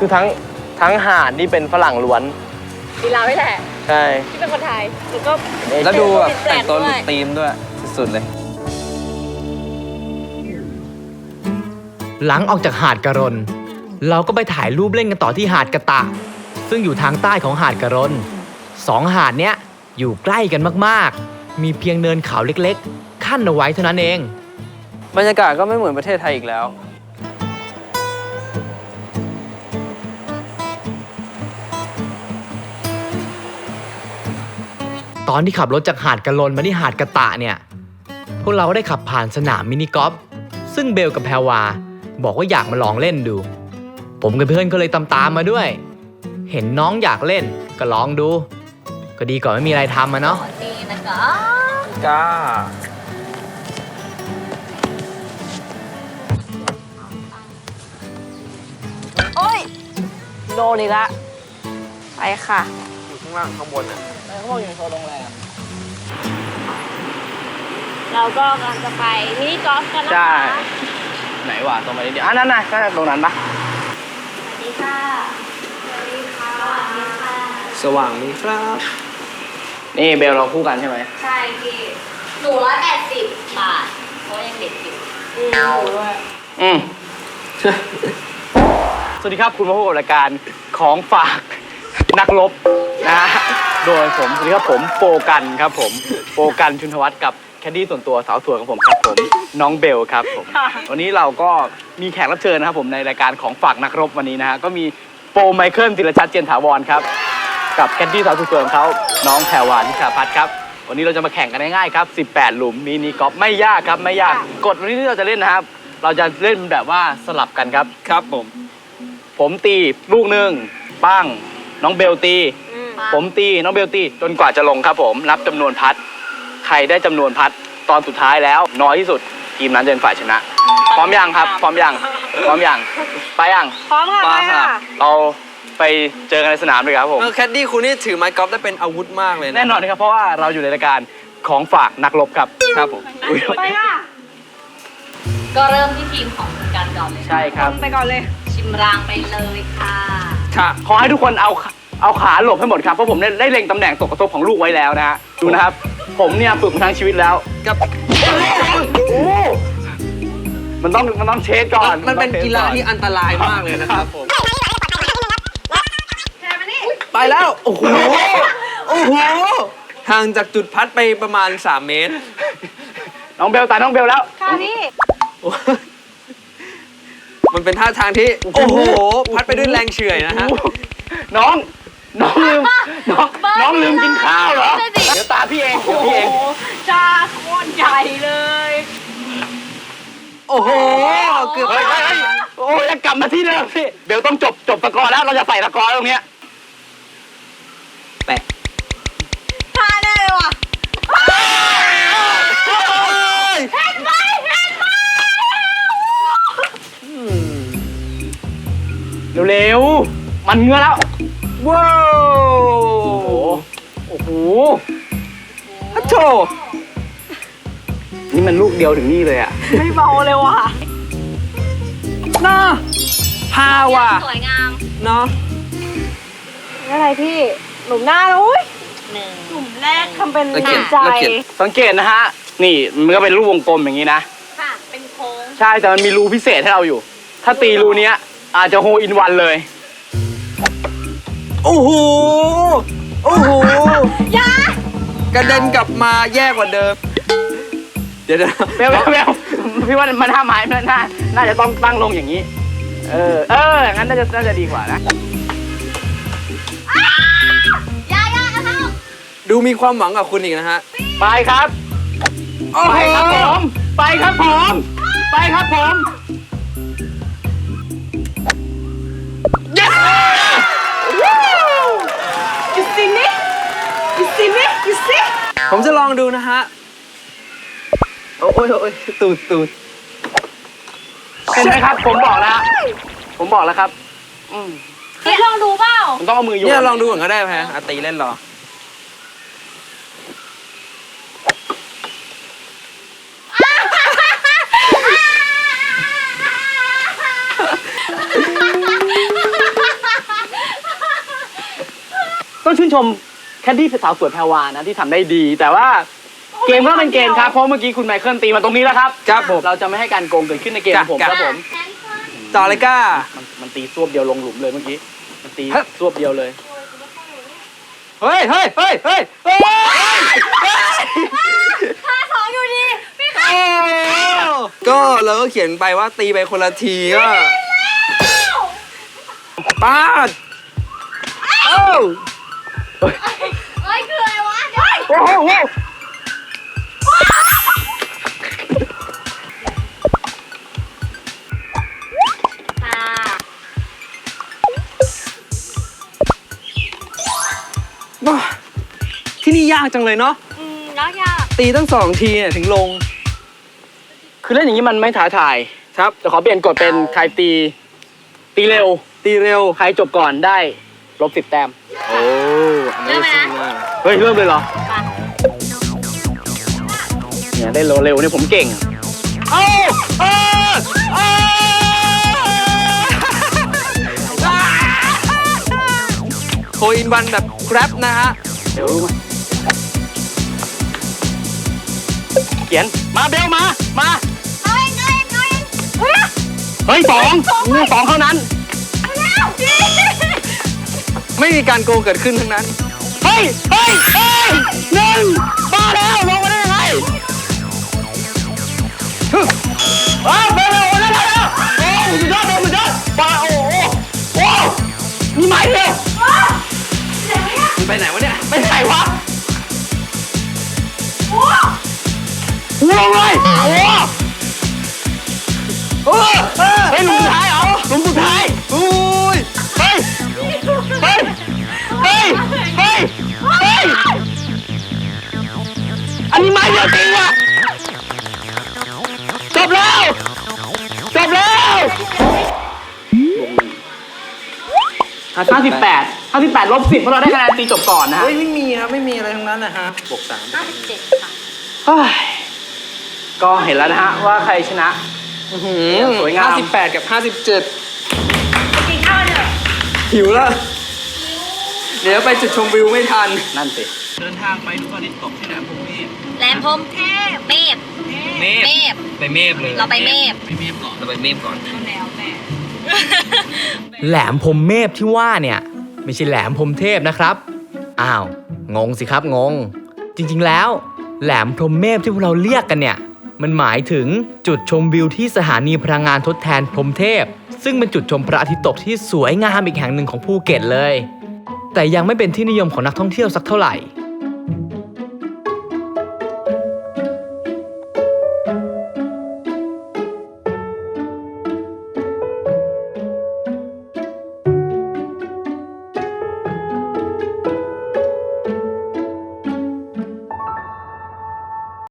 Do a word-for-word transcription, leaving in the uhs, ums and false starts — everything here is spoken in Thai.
คือทั้งทั้งหาดนี่เป็นฝรั่งล้วนมีเราไม่แหละใช่ที่เป็นคนไทยแล้วก็แล้วดูแบบแต่งตัวหลุดธีมด้วยสุดๆเลยหลังออกจากหาดกะรนเราก็ไปถ่ายรูปเล่นกันต่อที่หาดกะตะซึ่งอยู่ทางใต้ของหาดกะรนสองหาดเนี้ยอยู่ใกล้กันมากๆมีเพียงเนินเขาเล็กๆขั้นเอาไว้เท่านั้นเองบรรยากาศก็ไม่เหมือนประเทศไทยอีกแล้วตอนที่ขับรถจากหาดกะรนมาที่หาดกะตะเนี่ยพวกเราได้ขับผ่านสนามมินิกอล์ฟซึ่งเบลกับแพรวาบอกว่าอยากมาลองเล่นดูผมกับเพื่อนก็เลยตามๆมาด้วยเห็นน้องอยากเล่นก็ลองดูก็ดีกว่าไม่มีอะไรทำอะเนาะนี่นะคะก้าโอ้ยโดนอีกละไปค่ะอยู่ข้างล่างข้างบนอ่ะข้างบนอยู่โซนโรงแรมเราก็กำลังจะไปมินิกอล์ฟกันนะคะใช่ไหนวะตรงไปนิดเดียวอ่ะนั่นน่ะนั่นตรงนั้นปะสวัสดีค่ะสวัสดีค่ะสวัสดีค่ะสว่างนี้ครับนี่เบลเราคู่กันใช่ไหมใช่พี่หนูร้อยแปดสิบบาทเพราะยังเด็กอยู่อืมหนูด้วยอืมสวัสดีครับคุณมาพบกับรายการของฝากนักรบนะฮะโดยผมสวัสดีครับผมโปกันครับผมโปกันชุนทวัฒน์กับแคดดี้ส่วนตัวสาวสวยของผมครับผมน้องเบลครับผมวันนี้เราก็มีแขกรับเชิญนะครับผมในรายการของฝากนักรบวันนี้นะฮะก็มีโปไมเคิลศิรชัดเจนถาวรครับกับแคดดี้สาวสวยของเขาน้องแพรวานิชาพัฒน์ครับวันนี้เราจะมาแข่งกันง่ายๆครับสิบแปดหลุมมินิกอล์ฟไม่ยากครับไม่ยากกฎวันนี้ที่เราจะเล่นนะครับเราจะเล่นแบบว่าสลับกันครับครับผมผมตีลูกหนึ่งปั้งน้องเบลตีผมตีน้องเบลตีจนกว่าจะลงครับผมนับจำนวนพัดใครได้จำนวนพัดตอนสุดท้ายแล้วน้อยที่สุดทีมนั้นจะเป็นฝ่ายชนะพร้อมยังครับพร้อมยังพร้อมยังไปยังพร้อมค่ะไปค่ะเราไปเจอกันในสนามเลยครับผมแคดดี้คุณนี่ถือไม้กอล์ฟได้เป็นอาวุธมากเลยนะแน่นอนครับเพราะว่าเราอยู่ในรายการของฝากนักรบครับครับผมไปค่ะก็เริ่มที่ทีมของคุณกันก่อนเลยใช่ครับไปก่อนเลยชิมรางไปเลยค่ะค่ะขอให้ทุกคนเอาเอาขาหลบให้หมดครับเพราะผมได้ได้เล็งตำแหน่งตกกระทบของลูกไว้แล้วนะฮะดูนะครับผมเนี่ยฝึกมาทั้งชีวิตแล้วกับมันต้องมันต้องเช็คก่อนมันเป็นกีฬาที่อันตรายมากเลยนะครับผมไปแล้วโอ้โหโอ้โหห่างจากจุดพัดไปประมาณสามเมตรน้องเบลตายน้องเบลแล้วค่ะพี่มันเป็นท่าทางที่โอ้โหพัดไปด้วยแรงเฉื่อยนะฮะน้องน้องลืมน้องน้องลืมกินข้าวเหรอเดี๋ยวตาพี่เองเดี๋ยวพี่เองจ้าโคตรใหญ่เลยโอ้โหเกือบไปโอ้ยจะกลับมาที่เดิมพี่เบลต้องจบจบตะกอแล้วเราจะใส่ตะกอตรงเนี้ยแปะท่าแน่เลยว่ะเห็นไหมเห็นไหมเร็วๆมันเงื้อแล้วว้าวโอ้โหฮัทโชนี่มันลูกเดียวถึงนี่เลยอ่ะไม่เบาเลยว่ะน่าพาว่ะสวยงามเนาะอะไรพี่หลุมหน้าแล้วอุ้ยหนึ่งหลุมแรกทำเป็นหนักใจสังเกตนะฮะนี่มันก็เป็นรูปวงกลมอย่างนี้นะค่ะเป็นโค้งใช่แต่มันมีรูพิเศษให้เราอยู่ถ้าตีรูเนี้ยอาจจะโฮอินวันเลยโอ้โหโอ้โหยากระเด็นกลับมาแย่กว่าเดิมเดี๋ยวเบลเบลพี่ว่ามันท่าไม้มันน่าน่าจะต้องตั้งลงอย่างนี้เออเอองั้นน่าจะน่าจะดีกว่านะยายาเอาดูมีความหวังกับคุณอีกนะฮะไปครับไปครับผมไปครับผมไปครับผม You see me? You see me? You see? ผมจะลองดูนะฮะโอ้ยโอ้ยตูดตูดเห็นไหมครับผมบอกแล้วผมบอกแล้วครับอืมลองดูเปล่ามันต้องเอามือโยนเนี่ยลองดูก่อนก็ได้ไหมอาตีเล่นหรอต้องชื่นชมแคดดี้สาวสวยแพรวานะที่ทำได้ดี แต่ว่าเกมก็เป็นเกมครับเพราะเมื่อกี้คุณไมเคิลตีมาตรงนี้แล้วครับครับผมเราจะไม่ให้การโกงเกิดขึ้นในเกมของผมครับผมต่อเลยก้ามันมันตีซวบเดียวลงหลุมเลยเมื่อกี้มันตีฮะซวบเดียวเลยเฮ้ยเฮ้ยเฮ้ยเฮ้ยเฮ้ยห้าสองอยู่ดีพี่คะก็เราก็เขียนไปว่าตีไปคนละทีก็ปาดเอ้าเอ้ยคืออะไรวะเดี๋ยวโอ้โหโอ้โหตาบ้าที่นี่ยากจังเลยเนาะอืมแล้วยากตีตั้งสองทีเนี่ยถึงลงคือเล่นอย่างนี้มันไม่ท้าทายครับจะขอเปลี่ยนกฎเป็นใครตี ตีเร็วตีเร็วใครจบก่อนได้ลบสิบแต้มโอ้เริ่มไหมนะเฮ้ย เริ่มเลยเหรอมาเนี่ยได้เร็วๆเนี่ยผมเก่งเอ้าเอ้าเอ้าโคอินวันแบบแกร็บนะฮะเดี๋ยวรู้ไหมเขียน มาเบลมา มาเอาเองเอาเองเอาเองเฮ้ยเฮ้ยสองงูสองเท่านั้นเอาแล้วดีไม่มีการโกงเกิดขึ้นทั้งนั้นเฮ้ย เฮ้ย เฮ้ยหนึ่งมาแล้วลงมาได้ยังไงอ้าวเบลเร็วเร็วเร็วเร็วโอ้สุดยอดเลยสุดยอดปาโอ้โหโอ้มีไม้เดียวมันไปไหนวะเนี่ยไม่ใช่วะลงเลยโอ้โหเฮ้ยหลุมสุดท้ายเหรอหลุมสุดท้ายอุ้ยเฮ้ย เฮ้ย เฮ้ย เฮ้ย เฮ้ย อันนี้ไม้เดียวจริงว่ะจบแล้ว จบแล้วห้าสิบแปดห้าสิบแปดลบสิบเพราะเราได้คะแนนตีจบก่อนนะฮะเฮ้ยไม่มีครับไม่มีอะไรทั้งนั้นนะฮะบวกสามห้าสิบเจ็ดค่ะเฮ้ยก็เห็นแล้วนะฮะว่าใครชนะ สวยงามห้าสิบแปดกับห้าสิบเจ็ดไปกินข้าวเถอะหิวแล้ว เดี๋ยวไปจุดชมวิวไม่ทันนั่นสิ เดินทางไปดูพระอาทิตย์ตกที่แหลมพรหมเมฆแหลมพรหมเทพเมฟเมเมฆฟไปเมฆเลยเราไปเมฟไปเมฆก่อนเราไปเมฆก่อนแล้วแต่แหลมพรหมเมพที่ว่าเนี่ย ไม่ใช่แหลมพรหมเทพนะครับ อ้าว งงสิครับงง จริงๆแล้ว แหลมพรหมเมพที่พวกเราเรียกกันเนี่ย มันหมายถึงจุดชมวิวที่สถานีพลังงานทดแทนพรหมเทพ ซึ่งเป็นจุดชมพระอาทิตย์ตกที่สวยงามอีกแห่งหนึ่งของภูเก็ตเลย แต่ยังไม่เป็นที่นิยมของนักท่องเที่ยวสักเท่าไหร่